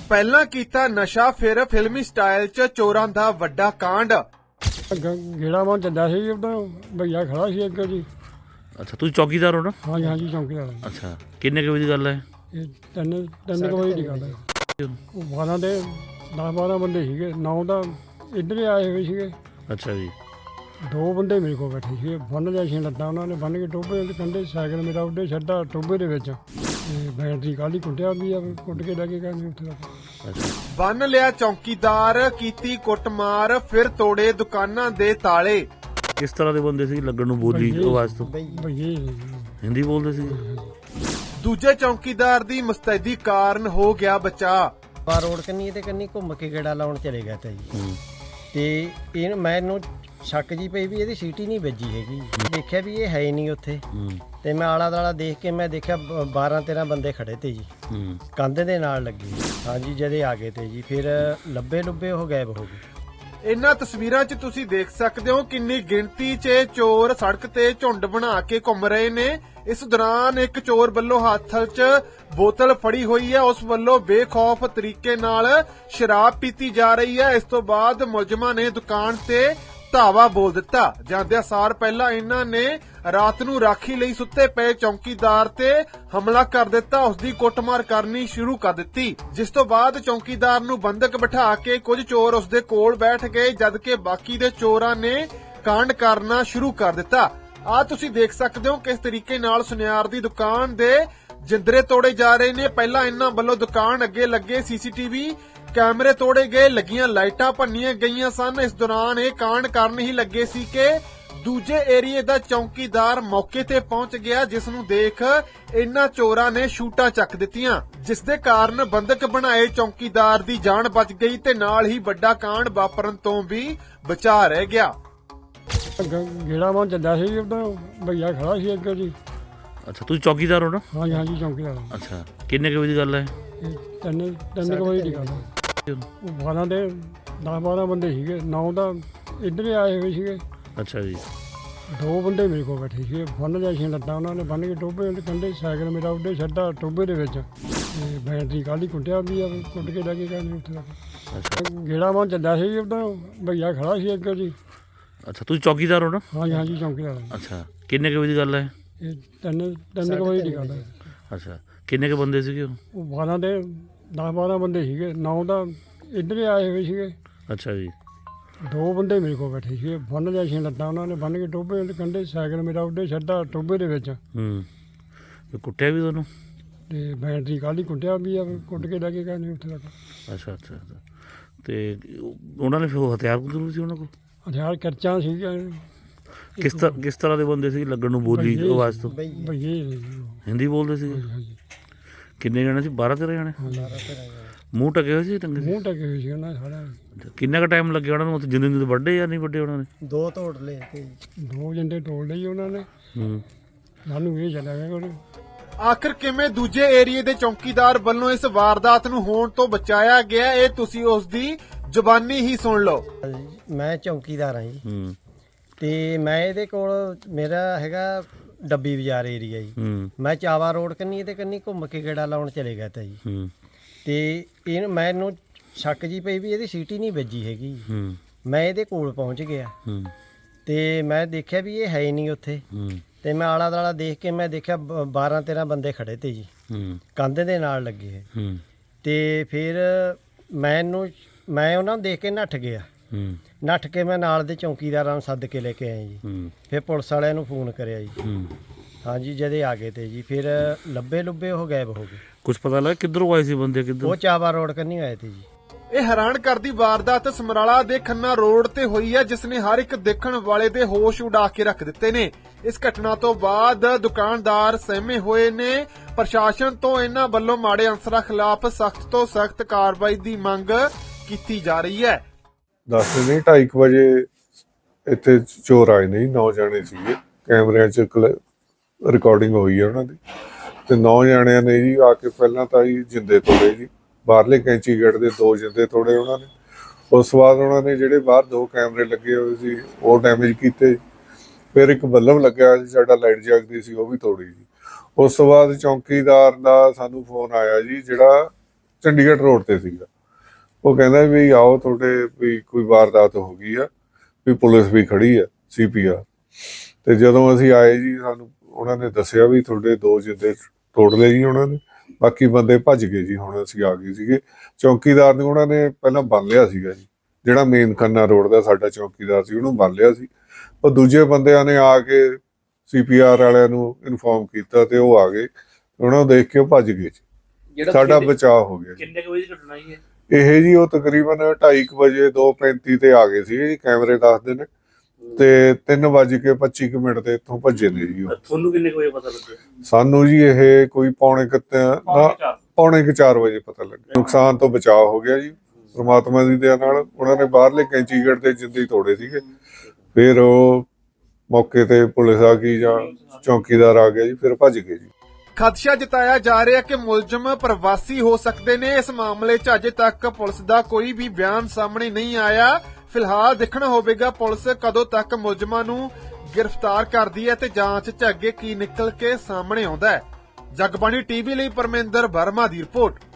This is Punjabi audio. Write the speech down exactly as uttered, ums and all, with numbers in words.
ਪਹਿਲਾਂ ਕੀਤਾ ਨਸ਼ਾ ਫਿਰ ਫਿਲਮੀ ਸਟਾਈਲ 'ਚ ਚੋਰਾਂ ਦਾ ਵੱਡਾ ਕਾਂਡ। ਗੇੜਾ ਮਾਰ ਚੱਲਿਆ ਸੀ ਉਦੋਂ ਭਈਆ ਖੜਾ ਸੀ ਅੱਗੇ ਜੀ। ਅੱਛਾ ਤੁਸੀਂ ਚੌਕੀਦਾਰ ਹੋ ਨਾ? ਹਾਂਜੀ ਹਾਂਜੀ ਚੌਂਕੀਦਾਰ। ਅੱਛਾ ਕਿੰਨੇ ਕੁ ਵਜੇ ਦੀ ਗੱਲ ਹੈ ਇਹ ਤਿੰਨ ਤਿੰਨ ਕੁ ਵਜੇ ਦੀ ਗੱਲ ਹੈ। ਉਹ ਬਾਰਾਂ ਦੇ ਦਸ ਬਾਰਾਂ ਬੰਦੇ ਸੀਗੇ, ਨੌ ਤਾਂ ਇੱਧਰ ਹੀ ਆਏ ਹੋਏ ਸੀਗੇ। ਅੱਛਾ ਜੀ। ਦੋ ਬੰਦੇ ਮੇਰੇ ਕੋਲ ਬੈਠੇ ਸੀਗੇ, ਬੰਨ ਲਿਆ ਸੀ ਲੱਤਾਂ ਉਹਨਾਂ ਨੇ, ਬੰਨ ਕੇ ਟੋਭੇ ਦੇ ਕੰਢੇ ਸਾਈਕਲ ਮੇਰਾ ਉੱਡੇ ਛੱਡਾ ਟੋਭੇ ਦੇ ਵਿੱਚ। ਤੇ ਬੈਟਰੀ ਕਾਹਲੀ ਕੁੱਟਿਆ ਵੀ ਆ, ਕੁੱਟ ਕੇ ਲੈ ਕੇ ਗਏ ਉੱਥੇ ਤੱਕ। ਬੰਨ ਲਿਆ ਚੌਕੀਦਾਰ, ਕੀਤੀ ਕੁੱਟਮਾਰ, ਫਿਰ ਤੋੜੇ ਦੁਕਾਨਾਂ ਦੇ ਤਾਲੇ। ਕਿਸ ਤਰ੍ਹਾਂ ਦੇ ਬੰਦੇ ਸੀ ਲੱਗਣ ਨੂੰ ਬੋਲੀ ਆਵਾਜ਼ ਤੋਂ? ਭਈਏ ਹਿੰਦੀ ਬੋਲਦੇ ਸੀ? ਦੂਜੇ ਚੌਕੀਦਾਰ ਦੀ ਮੁਸਤੈਦੀ ਕਾਰਨ ਹੋ ਗਿਆ ਬਚਾ। ਬਾਰ ਰੋਡ ਕੰਨੀ ਤੇ ਕੰਨੀ ਘੁੰਮ ਕੇ ਗੇੜਾ ਲਾਉਣ ਚਲੇ ਗਿਆ ਤਾ ਜੀ। ਤੇ ਇਹ ਮੈਨੂੰ ਸ਼ੱਕ ਜੀ ਪਈ ਵੀ ਇਹਦੀ ਸੀਟੀ ਨਹੀਂ ਵੱਜੀ ਹੈਗੀ। ਦੇਖਿਆ ਵੀ ਇਹ ਹੈ ਹੀ ਨਹੀਂ ਉੱਥੇ। ਤੇ ਮੈਂ ਆਲਾ ਦਾਲਾ ਦੇਖ ਕੇ ਮੈਂ ਦੇਖਿਆ ਬਾਰਾਂ ਤੇਰਾਂ ਬੰਦੇ ਖੜੇ ਤੇ ਜੀ, ਕੰਧ ਦੇ ਨਾਲ ਲੱਗੇ। ਹਾਂਜੀ ਜਦੇ ਆ ਗਏ ਤੇ ਜੀ, ਫਿਰ ਲੱਭੇ ਲੁੱਬੇ ਉਹ ਗਾਇਬ ਹੋ ਗਏ। ਇਹਨਾਂ ਤਸਵੀਰਾਂ 'ਚ ਤੁਸੀਂ ਦੇਖ ਸਕਦੇ ਹੋ ਕਿੰਨੀ ਗਿਣਤੀ 'ਚ ਚੋਰ ਸੜਕ ਤੇ ਝੁੰਡ ਬਣਾ ਕੇ ਘੁੰਮ ਰਹੇ ਨੇ। ਇਸ ਦੌਰਾਨ ਇੱਕ ਚੋਰ ਵੱਲੋਂ ਹੱਥ 'ਚ ਬੋਤਲ ਫੜੀ ਹੋਈ ਹੈ, ਉਸ ਵੱਲੋਂ ਬੇਖੌਫ ਤਰੀਕੇ ਨਾਲ ਸ਼ਰਾਬ ਪੀਤੀ ਜਾ ਰਹੀ ਹੈ। ਇਸ ਤੋਂ ਬਾਅਦ ਮੁਲਜ਼ਮਾਂ ਨੇ ਦੁਕਾਨ ਤੇ ਧਾਵਾ ਬੋਲ ਦਿੱਤਾ। ਜਾਂਦਿਆਂ ਸਾਰ ਪਹਿਲਾਂ ਇਹਨਾਂ ਨੇ ਰਾਤ ਨੂੰ ਰਾਖੀ ਲਈ ਸੁੱਤੇ ਪਏ ਚੌਕੀਦਾਰ ਤੇ ਹਮਲਾ ਕਰ ਦਿੱਤਾ, ਉਸ ਦੀ ਕੁੱਟਮਾਰ ਕਰਨੀ ਸ਼ੁਰੂ ਕਰ ਦਿੱਤੀ। ਜਿਸ ਤੋਂ ਬਾਅਦ ਚੌਕੀਦਾਰ ਨੂੰ ਬੰਦਕ ਬਿਠਾ ਕੇ ਕੁਝ ਚੋਰ ਉਸ ਦੇ ਕੋਲ ਬੈਠ ਗਏ, ਜਦਕਿ ਬਾਕੀ ਦੇ ਚੋਰਾਂ ਨੇ ਕਾਂਡ ਕਰਨਾ ਸ਼ੁਰੂ ਕਰ ਦਿੱਤਾ। ਆ ਤੁਸੀਂ ਦੇਖ ਸਕਦੇ ਹੋ ਕਿਸ ਤਰੀਕੇ ਨਾਲ ਸੁਨਿਆਰ ਦੀ ਦੁਕਾਨ ਦੇ ਜਿੰਦਰੇ ਤੋੜੇ ਜਾ ਰਹੇ ਨੇ। ਪਹਿਲਾਂ ਇਹਨਾਂ ਵੱਲੋਂ ਦੁਕਾਨ ਅੱਗੇ ਲੱਗੇ ਸੀਸੀਟੀਵੀ ਕੈਮਰੇ ਤੋੜੇ ਗਏ, ਲੱਗੀਆਂ ਲਾਈਟਾਂ ਭੰਨੀਆਂ ਗਈਆਂ ਸਨ। ਇਸ ਦੌਰਾਨ ਇਹ ਕਾਂਡ ਕਰਨ ਹੀ ਲੱਗੇ ਸੀ ਕਿ ਦੂਜੇ ਏਰੀਏ ਦਾ ਚੌਕੀਦਾਰ ਮੌਕੇ ਤੇ ਪਹੁੰਚ ਗਿਆ, ਜਿਸ ਨੂੰ ਦੇਖ ਇਹਨਾਂ ਚੋਰਾਂ ਨੇ ਸ਼ੂਟਾਂ ਚੱਕ ਦਿੱਤੀਆਂ, ਜਿਸ ਦੇ ਕਾਰਨ ਬੰਦਕ ਬਣਾਏ ਚੌਕੀਦਾਰ ਦੀ ਜਾਨ ਬਚ ਗਈ ਤੇ ਨਾਲ ਹੀ ਵੱਡਾ ਕਾਂਡ ਵਾਪਰਨ ਤੋਂ ਵੀ ਬਚਾ ਰਹਿ ਗਿਆ। ਗੇੜਾ ਮਾਰ ਚੱਲਿਆ ਸੀ ਉਦੋਂ ਭਈਆ ਖੜਾ ਸੀ ਅੱਗੇ ਜੀ। ਅੱਛਾ ਤੁਸੀਂ ਚੌਕੀਦਾਰ ਹੋ ਨਾ? ਹਾਂਜੀ ਹਾਂਜੀ ਚੌਂਕੀਦਾਰ। ਅੱਛਾ ਕਿੰਨੇ ਕੁ ਵਜੇ ਦੀ ਗੱਲ ਹੈ ਇਹ ਤਿੰਨ ਤਿੰਨ ਕੁ ਵਜੇ ਦੀ ਗੱਲ ਹੈ। ਉਹ ਬਾਰਾਂ ਦੇ ਦਸ ਬਾਰਾਂ ਬੰਦੇ ਸੀਗੇ, ਨੌ ਤਾਂ ਇੱਧਰ ਹੀ ਆਏ ਹੋਏ ਸੀਗੇ। ਅੱਛਾ ਜੀ। ਦੋ ਬੰਦੇ ਮੇਰੇ ਕੋਲ ਬੈਠੇ ਸੀਗੇ, ਬੰਨ ਲਿਆ ਸੀ ਲੱਤਾਂ ਉਹਨਾਂ ਨੇ, ਬੰਨ ਕੇ ਟੋਭੇ ਦੇ ਕੰਢੇ ਸਾਈਕਲ ਮੇਰਾ ਉੱਡੇ ਛੱਡਾ ਟੋਭੇ ਦੇ ਵਿੱਚ। ਤੇ ਬੈਟਰੀ ਕਾਹਲੀ ਕੁੱਟਿਆ ਵੀ ਆ, ਕੁੱਟ ਕੇ ਲੈ ਕੇ ਗਏ ਉੱਥੇ ਤੱਕ। ਗੇੜਾ ਮਾਰ ਚੱਲਿਆ ਸੀ ਉਦੋਂ ਭਈਆ ਖੜਾ ਸੀ ਅੱਗੇ ਜੀ। ਅੱਛਾ ਤੁਸੀਂ ਚੌਕੀਦਾਰ ਹੋ ਨਾ? ਹਾਂਜੀ ਹਾਂਜੀ ਚੌਂਕੀਦਾਰ। ਅੱਛਾ ਕਿੰਨੇ ਕੁ ਵਜੇ ਦੀ ਗੱਲ ਹੈ ਇਹ ਤਿੰਨ ਤਿੰਨ ਕੁ ਵਜੇ ਦੀ ਗੱਲ ਹੈ। ਅੱਛਾ ਕਿੰਨੇ ਕੁ ਬੰਦੇ ਸੀਗੇ ਉਹ? ਉਹ ਬਾਰਾਂ ਦੇ ਦਸ ਬਾਰਾਂ ਬੰਦੇ ਸੀਗੇ, ਨੌ ਤਾਂ ਇੱਧਰ ਹੀ ਆਏ ਹੋਏ ਸੀਗੇ। ਅੱਛਾ ਜੀ। ਦੋ ਬੰਦੇ ਮੇਰੇ ਕੋਲ ਬੈਠੇ ਸੀਗੇ, ਬੰਨ ਲਿਆ ਸੀ ਲੱਤਾਂ ਉਹਨਾਂ ਨੇ, ਬੰਨ ਕੇ ਟੋਭੇ ਦੇ ਕੰਢੇ ਸਾਈਕਲ ਮੇਰਾ ਉੱਡੇ ਛੱਡਾ ਟੋਭੇ ਦੇ ਵਿੱਚ। ਹੂੰ ਤੇ ਕੁੱਟਿਆ ਵੀ ਤੁਹਾਨੂੰ? ਤੇ ਬੈਟਰੀ ਕਾਹਲੀ ਕੁੱਟਿਆ ਵੀ ਆ, ਕੁੱਟ ਕੇ ਲੈ ਕੇ ਗਏ ਉੱਥੇ ਤੱਕ। ਅੱਛਾ ਅੱਛਾ ਅੱਛਾ ਤੇ ਉਹਨਾਂ ਨੇ ਫਿਰ ਉਹ ਹਥਿਆਰ ਜ਼ਰੂਰ ਸੀ ਉਹਨਾਂ ਕੋਲ? ਹਥਿਆਰ ਕਰਚਾਂ ਸੀਗੀਆਂ। ਕਿਸ ਤਰ੍ਹਾਂ ਕਿਸ ਤਰ੍ਹਾਂ ਦੇ ਬੰਦੇ ਸੀ ਲੱਗਣ ਨੂੰ ਬੋਲੀ ਆਵਾਜ਼ ਤੋਂ? ਭਈਏ ਹਿੰਦੀ ਬੋਲਦੇ ਸੀ? ਕਿੰਨੇ ਜਣੇ ਸੀ? ਬਾਰਾਂ ਤੇਰਾਂ ਜਣੇ? ਮੂੰਹ ਢਕੇ ਹੋਏ ਸੀ? ਟੰਗੇ ਮੂੰਹ ਢਕੇ ਹੋਏ ਸੀ ਉਹਨਾਂ ਦੇ ਸਾਰਾ। ਕਿੰਨਾ ਕੁ ਟਾਈਮ ਲੱਗਿਆ ਉਹਨਾਂ ਨੂੰ ਉੱਥੇ? ਜਿੰਦੇ ਜਿੰਦੇ ਵੱਡੇ ਜਾਂ ਨਹੀਂ ਵੱਡੇ ਉਹਨਾਂ ਨੇ? ਦੋ ਤੋੜ ਲਏ ਤੇ ਦੋ ਜੰਡੇ ਤੋੜ ਲਈ ਉਹਨਾਂ ਨੇ। ਹੂੰ ਸਾਨੂੰ ਇਹ ਚੱਲਿਆ ਗਿਆ ਕੋਲ। ਆਖਰ ਕਿਵੇਂ ਦੂਜੇ ਏਰੀਏ ਦੇ ਚੌਕੀਦਾਰ ਵੱਲੋਂ ਇਸ ਵਾਰਦਾਤ ਨੂੰ ਹੋਣ ਤੋਂ ਬਚਾਇਆ ਗਿਆ, ਇਹ ਤੁਸੀਂ ਉਸ ਦੀ ਜ਼ੁਬਾਨੀ ਹੀ ਸੁਣ ਲਓ। ਮੈਂ ਚੌਕੀਦਾਰ ਹਾਂ ਜੀ। ਹੂੰ ਤੇ ਮੈਂ ਇਹਦੇ ਕੋਲ ਮੇਰਾ ਹੈਗਾ ਡੱਬੀ ਬਾਜ਼ਾਰ ਏਰੀਆ ਜੀ। ਹੂੰ ਮੈਂ ਚਾਵਾ ਰੋਡ ਕੰਨੀ ਤੇ ਕੰਨੀ ਘੁੰਮ ਕੇ ਗੇੜਾ ਲਾਉਣ ਚਲੇ ਗਿਆ ਤਾ ਜੀ। ਹੂੰ ਤੇ ਇਹ ਮੈਨੂੰ ਸ਼ੱਕ ਜੀ ਪਈ ਵੀ ਇਹਦੀ ਸੀਟੀ ਨਹੀਂ ਵੱਜੀ ਹੈਗੀ। ਹੂੰ ਮੈਂ ਇਹਦੇ ਕੋਲ ਪਹੁੰਚ ਗਿਆ ਹੂੰ ਤੇ ਮੈਂ ਦੇਖਿਆ ਵੀ ਇਹ ਹੈ ਹੀ ਨਹੀਂ ਉੱਥੇ। ਹੂੰ ਤੇ ਮੈਂ ਆਲਾ ਦਾਲਾ ਦੇਖ ਕੇ ਮੈਂ ਦੇਖਿਆ ਬਾਰਾਂ ਤੇਰਾਂ ਬੰਦੇ ਖੜੇ ਤੇ ਜੀ, ਹੂੰ ਕੰਧ ਦੇ ਨਾਲ ਲੱਗੇ। ਹੂੰ ਤੇ ਫਿਰ ਮੈਨੂੰ ਮੈਂ ਉਹਨਾਂ ਨੂੰ ਦੇਖ ਕੇ ਨੱਠ ਗਿਆ। ਹੂੰ ਨੱਠ ਕੇ ਮੈਂ ਨਾਲ ਦੇ ਚੌਕੀਦਾਰਾਂ ਨੂੰ ਸੱਦ ਕੇ ਲੈ ਕੇ ਆਇਆ ਜੀ। ਹੂੰ ਫਿਰ ਪੁਲਿਸ ਵਾਲਿਆਂ ਨੂੰ ਫੋਨ ਕਰਿਆ ਜੀ। ਹੂੰ ਹਾਂਜੀ ਜਦੇ ਆ ਗਏ ਤੇ ਜੀ, ਫਿਰ ਲੱਭੇ ਲੁੱਬੇ ਉਹ ਗਾਇਬ ਹੋ ਗਏ। ਕੁਝ ਪਤਾ ਲੱਗਾ ਕਿੱਧਰੋਂ ਆਏ ਸੀ ਬੰਦੇ? ਕਿੱਧਰ? ਉਹ ਚਾਵਾ ਰੋਡ ਕੰਨੀ ਆਏ ਤੇ ਜੀ। ਇਹ ਹੈਰਾਨ ਕਰਦੀ ਵਾਰਦਾਤ ਸਮਰਾਲਾ ਦੇ ਖੰਨਾ ਰੋਡ ਤੇ ਹੋਈ ਹੈ, ਜਿਸ ਨੇ ਹਰ ਇੱਕ ਦੇਖਣ ਵਾਲੇ ਦੇ ਹੋਸ਼ ਉਡਾ ਕੇ ਰੱਖ ਦਿੱਤੇ ਨੇ। ਇਸ ਘਟਨਾ ਤੋਂ ਬਾਅਦ ਦੁਕਾਨਦਾਰ ਸਹਿਮੇ ਹੋਏ ਨੇ। ਪ੍ਰਸ਼ਾਸਨ ਤੋਂ ਇਹਨਾਂ ਵੱਲੋਂ ਮਾੜੇ ਅਨਸਰਾਂ ਖਿਲਾਫ ਸਖਤ ਤੋਂ ਸਖਤ ਕਾਰਵਾਈ ਦੀ ਮੰਗ ਕੀਤੀ ਜਾ ਰਹੀ ਹੈ। ਦਸ ਨਹੀਂ ਢਾਈ ਕੁ ਵਜੇ ਇੱਥੇ ਚੋਰ ਆਏ ਨੇ, ਨੌ ਜਾਣੇ ਸੀਗੇ। ਕੈਮਰਿਆਂ 'ਚ ਰਿਕਾਰਡਿੰਗ ਹੋਈ ਹੈ ਉਹਨਾਂ ਦੀ। ਤੇ ਨੌ ਜਾਣਿਆਂ ਨੇ ਜੀ ਆ ਕੇ ਪਹਿਲਾਂ ਤਾਂ ਜੀ ਜਿੰਦੇ ਤੋੜੇ ਜੀ, ਬਾਹਰਲੇ ਕੈਂਚੀ ਗੇਟ ਦੇ ਦੋ ਜਿੰਦੇ ਤੋੜੇ ਉਹਨਾਂ ਨੇ। ਉਸ ਤੋਂ ਬਾਅਦ ਉਹਨਾਂ ਨੇ ਜਿਹੜੇ ਬਾਹਰ ਦੋ ਕੈਮਰੇ ਲੱਗੇ ਹੋਏ ਸੀ ਉਹ ਡੈਮੇਜ ਕੀਤੇ। ਫਿਰ ਇੱਕ ਬੱਲਬ ਲੱਗਿਆ ਸੀ ਸਾਡਾ, ਲਾਈਟ ਜਗਦੀ ਸੀ, ਉਹ ਵੀ ਤੋੜੀ ਜੀ। ਉਸ ਤੋਂ ਬਾਅਦ ਚੌਕੀਦਾਰ ਦਾ ਸਾਨੂੰ ਫੋਨ ਆਇਆ ਜੀ, ਜਿਹੜਾ ਚੰਡੀਗੜ੍ਹ ਰੋਡ ਤੇ ਸੀਗਾ। ਉਹ ਕਹਿੰਦਾ ਵੀ ਆਓ ਤੁਹਾਡੇ ਵੀ ਕੋਈ ਵਾਰਦਾਤ ਹੋ ਗਈ ਆ, ਵੀ ਪੁਲਿਸ ਵੀ ਖੜੀ ਆ ਸੀ ਪੀ ਆਰ। ਤੇ ਜਦੋਂ ਅਸੀਂ ਆਏ ਜੀ ਸਾਨੂੰ ਉਹਨਾਂ ਨੇ ਦੱਸਿਆ ਵੀ ਤੁਹਾਡੇ ਦੋ ਜਿੰਦੇ ਤੋੜ ਲਏ ਜੀ ਉਹਨਾਂ ਨੇ, ਬਾਕੀ ਬੰਦੇ ਭੱਜ ਗਏ ਜੀ। ਹੁਣ ਅਸੀਂ ਆ ਗਏ ਸੀਗੇ, ਚੌਕੀਦਾਰ ਨੂੰ ਉਹਨਾਂ ਨੇ ਪਹਿਲਾਂ ਬੰਨ ਲਿਆ ਸੀਗਾ ਜੀ, ਜਿਹੜਾ ਮੇਨ ਖੰਨਾ ਰੋਡ ਦਾ ਸਾਡਾ ਚੌਕੀਦਾਰ ਸੀ ਉਹਨੂੰ ਬੰਨ ਲਿਆ ਸੀ। ਉਹ ਦੂਜੇ ਬੰਦਿਆਂ ਨੇ ਆ ਕੇ ਸੀ ਪੀ ਆਰ ਵਾਲਿਆਂ ਨੂੰ ਇਨਫੋਰਮ ਕੀਤਾ ਤੇ ਉਹ ਆ ਗਏ, ਉਹਨਾਂ ਨੂੰ ਦੇਖ ਕੇ ਉਹ ਭੱਜ ਗਏ ਜੀ। ਸਾਡਾ ਬਚਾਅ ਹੋ ਗਿਆ। ਕਿੰਨੇ ਕੁ ਵਜੇ ਦੀ ਘਟਨਾ ਹੈ ਇਹ ਜੀ? ਉਹ ਤਕਰੀਬਨ ਢਾਈ ਕੁ ਵਜੇ ਦੋ ਪੈਂਤੀ ਤੇ ਆ ਗਏ ਸੀ ਜੀ, ਕੈਮਰੇ ਦੱਸਦੇ ਨੇ, ਤੇ ਤਿੰਨ ਵੱਜ ਕੇ ਪੱਚੀ ਕੁ ਮਿੰਟ ਤੇ ਇੱਥੋਂ ਭੱਜੇ ਨੇ ਜੀ ਉਹ। ਤੁਹਾਨੂੰ ਕਿੰਨੇ ਕੁ ਵਜੇ ਪਤਾ ਲੱਗਿਆ? ਸਾਨੂੰ ਜੀ ਇਹ ਕੋਈ ਪੌਣੇ ਕੁ ਤ- ਪੌਣੇ ਕੁ ਚਾਰ ਵਜੇ ਪਤਾ ਲੱਗਿਆ। ਨੁਕਸਾਨ ਤੋਂ ਬਚਾਅ ਹੋ ਗਿਆ ਜੀ ਪ੍ਰਮਾਤਮਾ ਦੀ ਦਇਆ ਨਾਲ। ਉਹਨਾਂ ਨੇ ਬਾਹਰਲੇ ਕੈਂਚੀਗੜ੍ਹ ਦੇ ਜਿੰਦੇ ਤੋੜੇ ਸੀਗੇ, ਫਿਰ ਉਹ ਮੌਕੇ ਤੇ ਪੁਲਿਸ ਆ ਗਈ ਜਾਂ ਚੌਕੀਦਾਰ ਆ ਗਿਆ ਜੀ, ਫਿਰ ਭੱਜ ਗਏ ਜੀ। ਖਦਸ਼ਾ ਜਤਾਇਆ ਜਾ ਰਿਹਾ ਕਿ ਮੁਲਜ਼ਮ ਪ੍ਰਵਾਸੀ ਹੋ ਸਕਦੇ ਨੇ। ਇਸ ਮਾਮਲੇ 'ਚ ਅਜੇ ਤੱਕ ਪੁਲਿਸ ਦਾ ਕੋਈ ਵੀ ਬਿਆਨ ਸਾਹਮਣੇ ਨਹੀਂ ਆਇਆ। ਫਿਲਹਾਲ ਦੇਖਣਾ ਹੋਵੇਗਾ ਪੁਲਿਸ ਕਦੋਂ ਤੱਕ ਮੁਲਜ਼ਮਾਂ ਨੂੰ ਗ੍ਰਿਫਤਾਰ ਕਰਦੀ ਹੈ ਤੇ ਜਾਂਚ 'ਚ ਅੱਗੇ ਕੀ ਨਿਕਲ ਕੇ ਸਾਹਮਣੇ ਆਉਂਦਾ ਹੈ। ਜਗਬਾਣੀ ਟੀਵੀ ਲਈ ਪਰਮਿੰਦਰ ਵਰਮਾ ਦੀ ਰਿਪੋਰਟ।